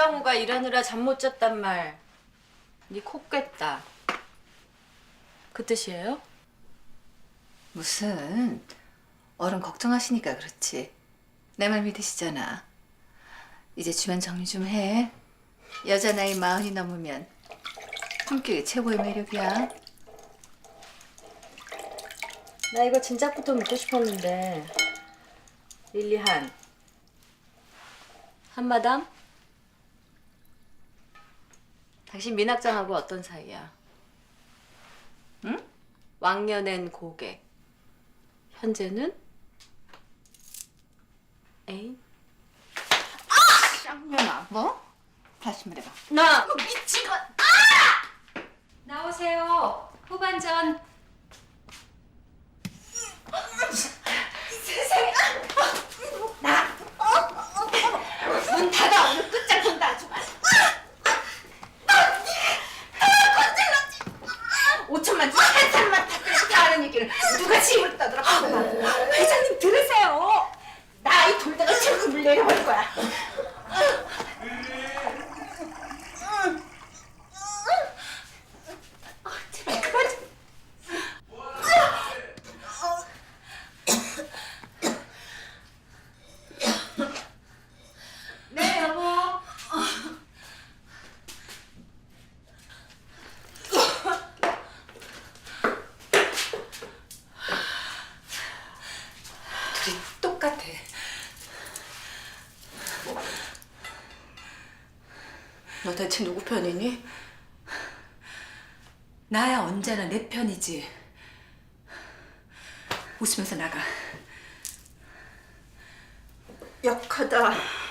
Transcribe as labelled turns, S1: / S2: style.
S1: 이장우가 일하느라 잠 못 잤단 말. 네 코 깼다. 그 뜻이에요?
S2: 무슨 어른 걱정하시니까 그렇지. 내 말 믿으시잖아. 이제 주변 정리 좀 해. 여자 나이 40이 넘으면 품격이 최고의 매력이야.
S1: 나 이거 진작부터 묻고 싶었는데. 릴리한. 한마담? 당신 민학장하고 어떤 사이야? 응? 왕년엔 고객. 현재는? 애인?
S2: 쌍년아. 뭐? 다시 말해봐.
S1: 나! 미친 것! 나오세요. 후반전.
S2: 세상에. 문 닫아. 오늘 끝장 본다 아주. 5천만 원, 4천만 다 그래서 다 아는 얘기를 누가 집을 떠들어. 회장님 들으세요. 나 이 돌다가 책임을 내려버릴 거야. 제발 그만 좀.
S1: 네, 여보.
S2: 둘이 똑같아. 너 대체 누구 편이니? 나야 언제나 내 편이지. 웃으면서 나가.
S3: 약하다.